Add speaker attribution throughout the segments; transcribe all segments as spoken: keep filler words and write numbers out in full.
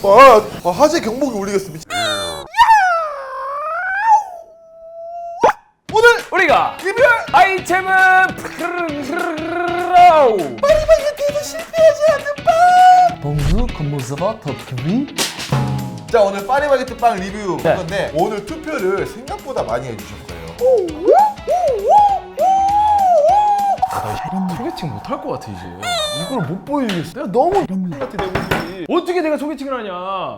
Speaker 1: 아, 아 화재 경보기 울리겠습니다. 오늘
Speaker 2: 우리가
Speaker 1: 리뷰할
Speaker 2: 아이템은
Speaker 1: 파리바게뜨에서 실패하지 않는 빵.
Speaker 2: 봉수 컴무스바 터키비.
Speaker 1: 자, 오늘 파리바게뜨 빵 리뷰
Speaker 2: 네.
Speaker 1: 건데 오늘 투표를 생각보다 많이 해주셨어요.
Speaker 2: 소개팅 못할 것 같아 이제. 이걸 못 보여주겠어. 내가 너무 같아 내 모습이. 어떻게 내가 소개팅을 하냐?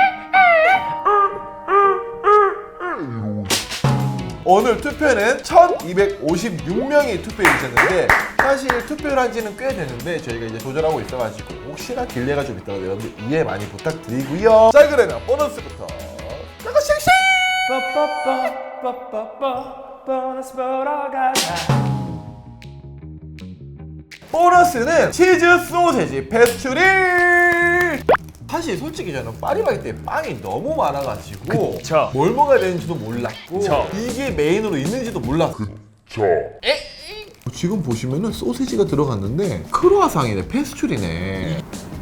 Speaker 1: 오늘 투표는 천이백오십육 명이 투표해 주셨는데 사실 투표를 한 지는 꽤 됐는데 저희가 이제 조절하고 있어가지고 혹시나 딜레이가 좀 있다고 여러분들 이해 많이 부탁드리고요. 자, 그러면 보너스부터 나가 씩씩!
Speaker 2: 빠빠빠 보너스 보러 가자.
Speaker 1: 보너스는 치즈 소세지 페스츄리! 사실 솔직히 저는 파리바게뜨에 빵이 너무 많아가지고
Speaker 2: 그쵸.
Speaker 1: 뭘 먹어야 되는지도 몰랐고
Speaker 2: 그쵸.
Speaker 1: 이게 메인으로 있는지도 몰랐고 지금 보시면은 소세지가 들어갔는데 크로아상이네, 페스츄리네.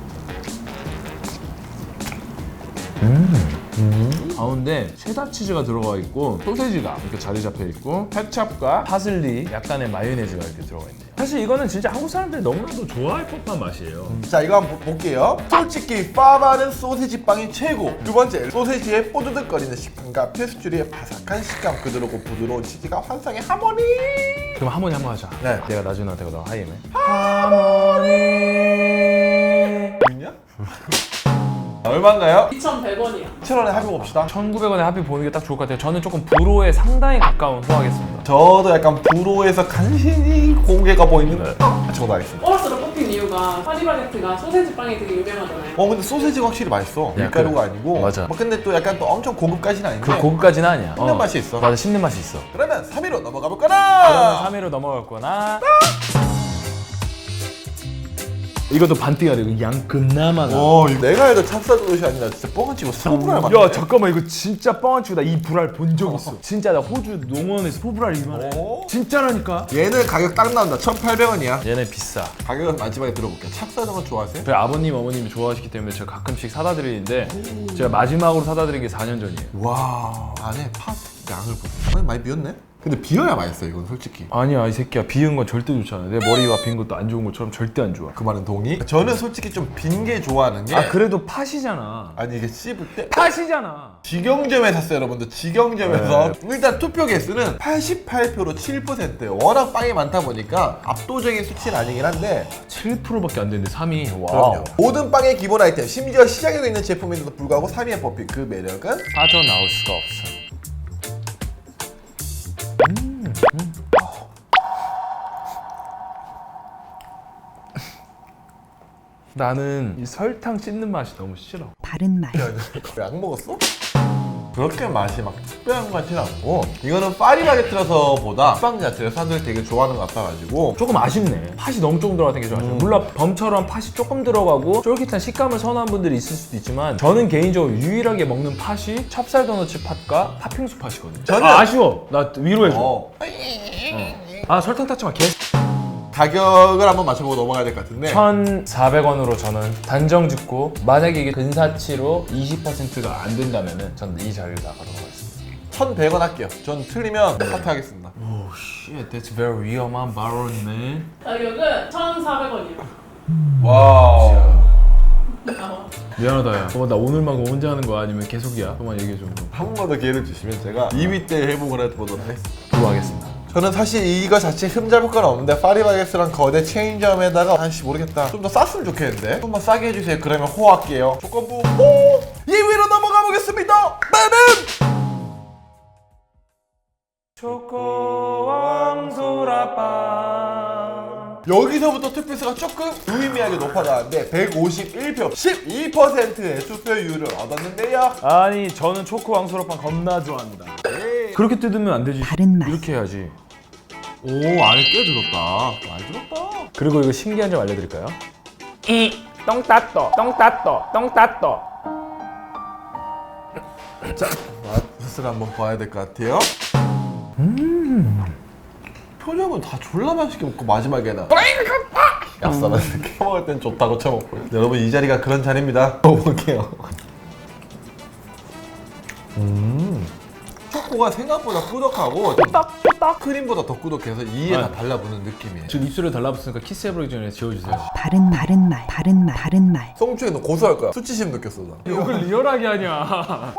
Speaker 2: 가운데 체다 치즈가 들어가 있고 소세지가 이렇게 자리 잡혀 있고 케찹과 파슬리 약간의 마요네즈가 이렇게 들어가 있네요. 사실 이거는 진짜 한국 사람들이 너무나도 좋아할 법한 맛이에요.
Speaker 1: 자, 이거 한번 볼게요. 솔직히 파바는 소세지 빵이 최고. 두 번째, 소세지의 뽀드득거리는 식감과 페스츄리의 바삭한 식감, 그대로고 부드러운 치즈가 환상의 하모니.
Speaker 2: 그럼 하모니 한번 하자.
Speaker 1: 네.
Speaker 2: 내가 나중에 나한테 너 하이엠해. 하모니.
Speaker 1: 있냐? 얼마인가요?
Speaker 3: 이천백 원이요.
Speaker 1: 이천 원에 합의 봅시다.
Speaker 2: 천구백 원에 합의 보는 게 딱 좋을 것 같아요. 저는 조금 불호에 상당히 가까운 호하겠습니다.
Speaker 1: 저도 약간 불호에서 간신히 공개가 보이는
Speaker 2: 네.
Speaker 1: 아, 저도 알겠습니다.
Speaker 3: 보너스로 뽑힌 이유가 파리바게뜨가 소세지 빵이 되게 유명하잖아요.
Speaker 1: 어, 근데 소세지가 확실히 맛있어.
Speaker 2: 야,
Speaker 1: 밀가루가
Speaker 2: 그래.
Speaker 1: 아니고.
Speaker 2: 맞아.
Speaker 1: 뭐 근데 또 약간 또 엄청 고급까지는 아닌데.
Speaker 2: 그 고급까지는 아니야.
Speaker 1: 씹는 맛이 있어.
Speaker 2: 맞아, 씹는 맛이 있어.
Speaker 1: 그러면 삼 위로 넘어가
Speaker 2: 그러면
Speaker 1: 볼까나.
Speaker 2: 삼 위로 넘어갈 거나. 이것도 반띠가 되고 양 금나마가.
Speaker 1: 오, 이거 내가 알던 찹쌀도시 아니라 진짜 뻥을 치고 소불알 맛.
Speaker 2: 야 잠깐만, 이거 진짜 뻥안 치고 나 이 불알 본 적 있어. 진짜 나 호주 농원에서 소불알 이만해.
Speaker 1: 오.
Speaker 2: 진짜라니까.
Speaker 1: 얘는 가격 딱 나온다. 천팔백 원이야.
Speaker 2: 얘네 비싸.
Speaker 1: 가격은 마지막에 들어볼게요. 찹쌀정은 좋아하세요?
Speaker 2: 저희 아버님 어머님이 좋아하시기 때문에 제가 가끔씩 사다 드리는데 제가 마지막으로 사다 드린 게 사 년 전이에요.
Speaker 1: 와, 안에 팥 양을 보세요. 아니, 많이 비었네? 근데 비어야 맛있어, 이건 솔직히.
Speaker 2: 아니야 이 새끼야, 비은 건 절대 좋지 않아. 내 머리가 빈 것도 안 좋은 것처럼 절대 안 좋아.
Speaker 1: 그 말은 동의? 저는 솔직히 좀 빈 게 좋아하는 게
Speaker 2: 아 그래도 팥이잖아.
Speaker 1: 아니, 이게 씹을 때
Speaker 2: 팥이잖아.
Speaker 1: 직영점에 샀어요, 여러분들. 직영점에서. 일단 투표 개수는 팔십팔 표로 칠 퍼센트. 워낙 빵이 많다 보니까 압도적인 수치는 아니긴 한데
Speaker 2: 칠 퍼센트밖에 안 되는데 삼 위.
Speaker 1: 그럼요.
Speaker 2: 와우.
Speaker 1: 모든 빵의 기본 아이템, 심지어 시장에도 있는 제품인데도 불구하고 삼 위에 뽑힌 그 매력은
Speaker 2: 빠져나올 수가 없어. 나는 이 설탕 씹는 맛이 너무 싫어.
Speaker 4: 바른 말.
Speaker 1: 약 먹었어? 그렇게 맛이 막 특별한 것 같지는 않고 이거는 파리바게뜨라서 보다 빵 자체를 사람들이 되게 좋아하는 것 같아가지고
Speaker 2: 조금 아쉽네. 팥이 너무 조금 들어가는 게 좀 아쉬워. 물론 범처럼 팥이 조금 들어가고 쫄깃한 식감을 선호하는 분들이 있을 수도 있지만 저는 개인적으로 유일하게 먹는 팥이 찹쌀 도너츠 팥과 팥빙수 팥이거든요.
Speaker 1: 저는-
Speaker 2: 아, 아쉬워. 나 위로해줘. 어.
Speaker 1: 어,
Speaker 2: 아 설탕 탔지 마. 개.
Speaker 1: 가격을 한번 맞춰보고 넘어가야 될 것 같은데
Speaker 2: 천사백 원으로 저는 단정 짓고 만약에 이게 근사치로 이십 퍼센트가 안 된다면은 저는 이 자리를 나가도록 하겠습니다.
Speaker 1: 천백 원 할게요. 전 틀리면 사퇴하겠습니다.
Speaker 2: Oh shit, that's very 위험한 발언이네.
Speaker 3: 가격은 천사백 원이요.
Speaker 1: 와우.
Speaker 2: 미안하다 야. 그만 나 오늘만 혼자 하는 거야 아니면 계속이야? 그만 얘기해줘.
Speaker 1: 한 번 더 기회를 주시면 제가 이 위 때 회복을 해보도록 하겠습니다.
Speaker 2: 좋아하겠습니다.
Speaker 1: 저는 사실 이거 자체 흠잡을 건 없는데 파리바게뜨랑 거대 체인점에다가 아씨 모르겠다 좀 더 쌌으면 좋겠는데 좀만 싸게 해주세요. 그러면 호할게요. 조건부 호! 이 위로 넘어가 보겠습니다. 빠밤!
Speaker 2: 초코왕소라빵.
Speaker 1: 여기서부터 투표수가 조금 유의미하게 높아나왔는데 백오십일 표 십이 퍼센트의 투표율을 얻었는데요.
Speaker 2: 아니 저는 초코왕소라빵 겁나 좋아합니다.
Speaker 1: 에이.
Speaker 2: 그렇게 뜯으면 안 되지.
Speaker 4: 바른 말.
Speaker 2: 이렇게 해야지.
Speaker 1: 오, 안에 꽤 들었다. 많이 들었다.
Speaker 2: 그리고 이거 신기한 점 알려드릴까요? 이 똥따떠 똥따떠 똥따떠.
Speaker 1: 자, 맛을 한번 봐야 될 것 같아요. 음. 표정은 다 졸라 맛있게 먹고 마지막에는 얍삽한 이렇게 먹을 땐 좋다고 쳐먹고 여러분 이 자리가 그런 자리입니다. 먹어볼게요. 음. 초코가 생각보다 꾸덕하고
Speaker 2: 딱 딱.
Speaker 1: 크림보다 더 꾸덕해서 이에 다
Speaker 2: 네.
Speaker 1: 달라붙는 느낌이에요.
Speaker 2: 지금 입술에 달라붙으니까 키스해버리기 전에 지워주세요.
Speaker 4: 바른 바른 말 바른 말 바른 말
Speaker 1: 송초에 너 고소할 거야. 수치심 느꼈어 나.
Speaker 2: 이걸 리얼하게 하냐.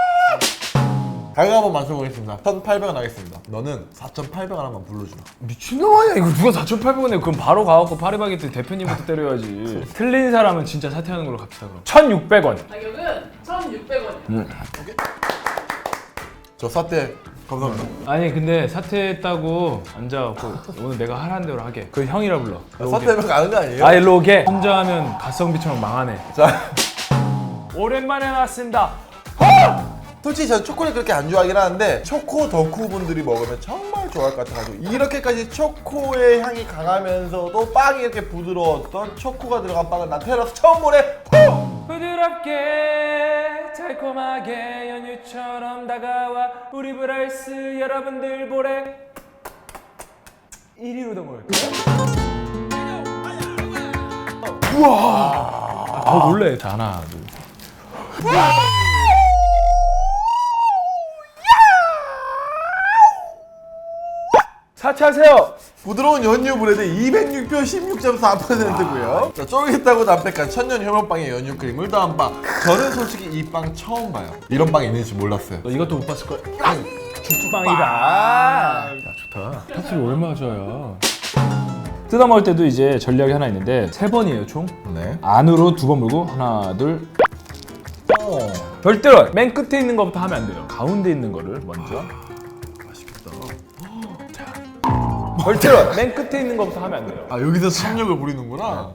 Speaker 1: 가격 한번 맞춰보겠습니다. 천팔백 원 하겠습니다. 너는 사천팔백 원 한번 불러주라.
Speaker 2: 미친놈 아니야 이거. 누가 사천팔백 원에 그럼 바로 가갖고 파리바게뜨 대표님부터 때려야지. 틀린 사람은 진짜 사퇴하는 걸로 갑시다 그럼. 천육백 원.
Speaker 3: 가격은 천육백 원이요.
Speaker 1: 저 사태 감사합니다.
Speaker 2: 아니 근데 사퇴했다고 앉아갖고 오늘 내가 하라는 대로 하게. 그 형이라 불러.
Speaker 1: 사태면 가는 거 아니에요?
Speaker 2: 아 일로 오게. 혼자 하면 가성비처럼 망하네.
Speaker 1: 자,
Speaker 2: 오랜만에 나왔습니다.
Speaker 1: 솔직히 저는 초콜릿 그렇게 안 좋아하긴 하는데 초코 덕후 분들이 먹으면 정말 좋아할 것 같아가지고 이렇게까지 초코의 향이 강하면서도 빵이 이렇게 부드러웠던 초코가 들어간 빵은 난 태어나서 처음 보네. 후!
Speaker 2: 부드럽게 달콤하게 연유처럼 다가와 우리 브라이스 여러분들 보래. 일 위로 더 먹을게요. 우와. 아, 더 놀래. 자, 하나 둘 셋. 사퇴하세요.
Speaker 1: 부드러운 연유 브레드 이백육 표 십육 점 사 퍼센트고요. 자, 쫄깃하고 담백한 천년 효면빵에 연유 크림을 더한 빵. 저는 솔직히 이 빵 처음 봐요. 이런 빵이 있는지 몰랐어요.
Speaker 2: 너 이것도 못 봤을 거야. 죽빵이다. 야 좋다. 파스리 얼마나 좋아요. 뜯어 먹을 때도 이제 전략이 하나 있는데 세 번이에요 총.
Speaker 1: 네.
Speaker 2: 안으로 두 번 물고 하나 둘.
Speaker 1: 어.
Speaker 2: 절대로 맨 끝에 있는 것부터 하면 안 돼요. 가운데 있는 거를 먼저.
Speaker 1: 맛있겠다.
Speaker 2: 절대로 맨 끝에 있는 것부터 하면 안 돼요.
Speaker 1: 아, 여기서 참력을 부리는구나.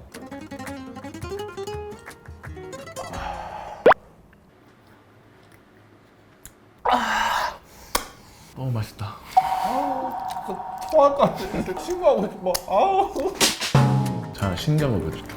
Speaker 2: 너무 맛있다.
Speaker 1: 토할 것 같아. 친구하고 싶어. 아우.
Speaker 2: 자 신경 먹여줄게.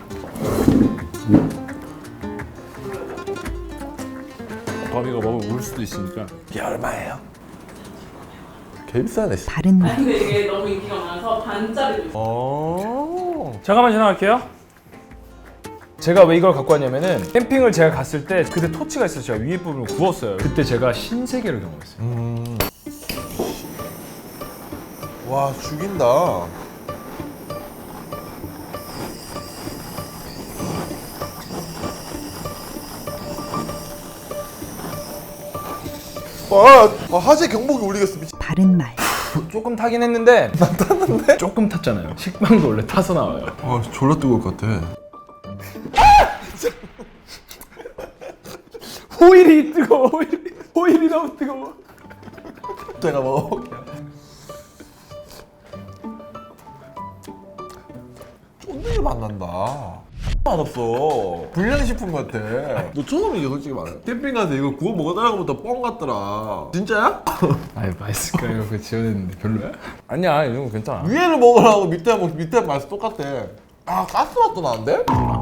Speaker 2: 범이가 먹으면 울 수도 있으니까.
Speaker 1: 이게 얼마예요? 개 비싸네.
Speaker 4: 바른 말
Speaker 3: 근데 이게 너무 인기가 많아서 반짜리도 있어요.
Speaker 1: 어.
Speaker 2: 잠깐만 지나갈게요. 제가 왜 이걸 갖고 왔냐면은 캠핑을 제가 갔을 때 그때 토치가 있어서 제가 위에 부분을 구웠어요. 그때 제가 신세계를 경험했어요.
Speaker 1: 음. 와, 죽인다. 아, 아 화재 경보기 울리겠어. 미친.
Speaker 4: 바른 말
Speaker 2: 조금 타긴 했는데 난 탔는데? 조금 탔잖아요. 식빵도 원래 타서 나와요.
Speaker 1: 아, 졸라 뜨거울 것 같아.
Speaker 2: 호일이 뜨거워. 호일이, 호일이 너무 뜨거워.
Speaker 1: 제가 먹어볼게요. 쫀득이 맛 난다. 맛없어. 불량식품 같아. 너 처음이지 솔직히 말해. 캠핑 가서 이거 구워 먹어달라고 부터 뻥 같더라. 진짜야?
Speaker 2: 아이 맛있을까 이거 그 지어냈는데 별로야? 아니야 이런 거 괜찮아.
Speaker 1: 위에를 먹으라고 밑에 먹 밑에 맛이 똑같아. 아, 가스 맛도 나는데?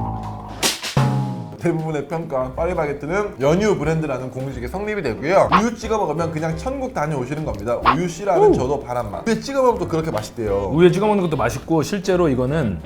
Speaker 1: 대부분의 평가 파리바게뜨는 연유 브랜드라는 공식이 성립이 되고요. 우유 찍어 먹으면 그냥 천국 다녀오시는 겁니다. 우유 씨라는 저도 바란 맛. 우유 찍어 먹으면 또 그렇게 맛있대요.
Speaker 2: 우유에 찍어 먹는 것도 맛있고 실제로 이거는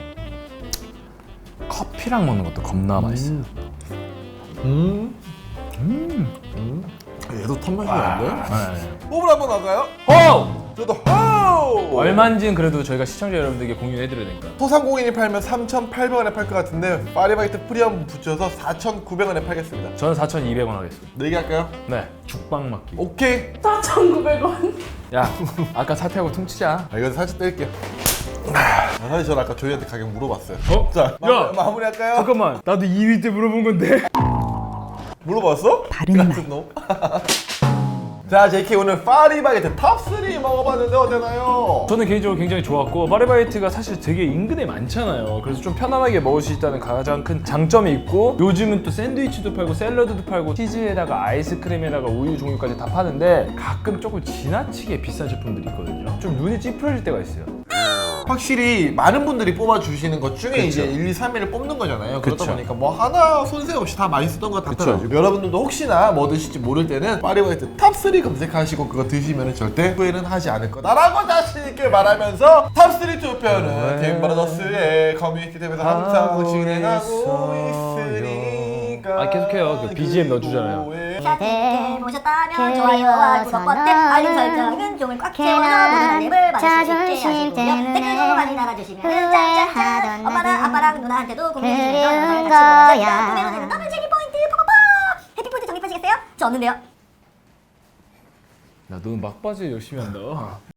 Speaker 2: 커피랑 먹는 것도 겁나 맛있어.
Speaker 1: 음. 음. 음. 얘도 턴맛이 나는데?
Speaker 2: 네.
Speaker 1: 호흡을 한번 할까요?
Speaker 2: 호!
Speaker 1: 저도 호흡!
Speaker 2: 얼마인지는 그래도 저희가 시청자 여러분들에게 공유해드려야 되니까.
Speaker 1: 소상공인이 팔면 삼천팔백 원에 팔 것 같은데 파리바게뜨 프리엄 붙여서 사천구백 원에 팔겠습니다.
Speaker 2: 저는 사천이백 원 하겠습니다.
Speaker 1: 내기 할까요?
Speaker 2: 네, 죽빵 맞기.
Speaker 1: 오케이.
Speaker 3: 사천구백 원.
Speaker 2: 야, 아까 사퇴하고 퉁치자.
Speaker 1: 아, 이거 살짝 뗄게요. 아, 사실 저는 아까 조이한테 가격 물어봤어요.
Speaker 2: 어?
Speaker 1: 자,
Speaker 2: 야!
Speaker 1: 마, 무리 할까요?
Speaker 2: 잠깐만, 나도 이 위 때 물어본 건데.
Speaker 1: 물어봤어?
Speaker 4: 바른 말.
Speaker 1: 같은 놈. 자, 제이케이 오늘 파리바게뜨 탑삼 먹어봤는데 어땠나요?
Speaker 2: 저는 개인적으로 굉장히 좋았고 파리바게뜨가 사실 되게 인근에 많잖아요. 그래서 좀 편안하게 먹을 수 있다는 가장 큰 장점이 있고 요즘은 또 샌드위치도 팔고 샐러드도 팔고 치즈에다가 아이스크림에다가 우유 종류까지 다 파는데 가끔 조금 지나치게 비싼 제품들이 있거든요. 좀 눈이 찌푸려질 때가 있어요.
Speaker 1: 확실히 많은 분들이 뽑아주시는 것 중에
Speaker 2: 그쵸.
Speaker 1: 이제 일, 이, 삼 위를 뽑는 거잖아요. 그러다
Speaker 2: 그쵸.
Speaker 1: 보니까 뭐 하나 손색 없이 다 맛있었던 것
Speaker 2: 그쵸.
Speaker 1: 같아요. 여러분들도 혹시나 뭐 드실지 모를 때는 파리바게뜨 탑삼 검색하시고 그거 드시면 절대 후회는 하지 않을 거다라고 자신있게 말하면서 탑삼 투표는
Speaker 2: 네.
Speaker 1: 팀브라더스의 커뮤니티 탭에서 항상
Speaker 2: 하고
Speaker 1: 진행하고
Speaker 2: 있어요.
Speaker 1: 있으니까
Speaker 2: 아, 계속해요. 그 비지엠 넣어주잖아요.
Speaker 5: 샤티에 보셨다면 좋아요와 구독 버튼 알림 설정은 종을 꽉 채워서 모든 알림을 받을 수 있게 하시고요. 댓글도 많이 달아주시면 짠짠짠 엄마랑 아빠랑 누나한테도 공유해주면서 영상을 같이 보면서 구매가 되는 더블 재미 포인트 팍팍팍 해피포인트 적립하시겠어요? 저 없는데요.
Speaker 2: 야, 너는 막바지에 열심히 한다.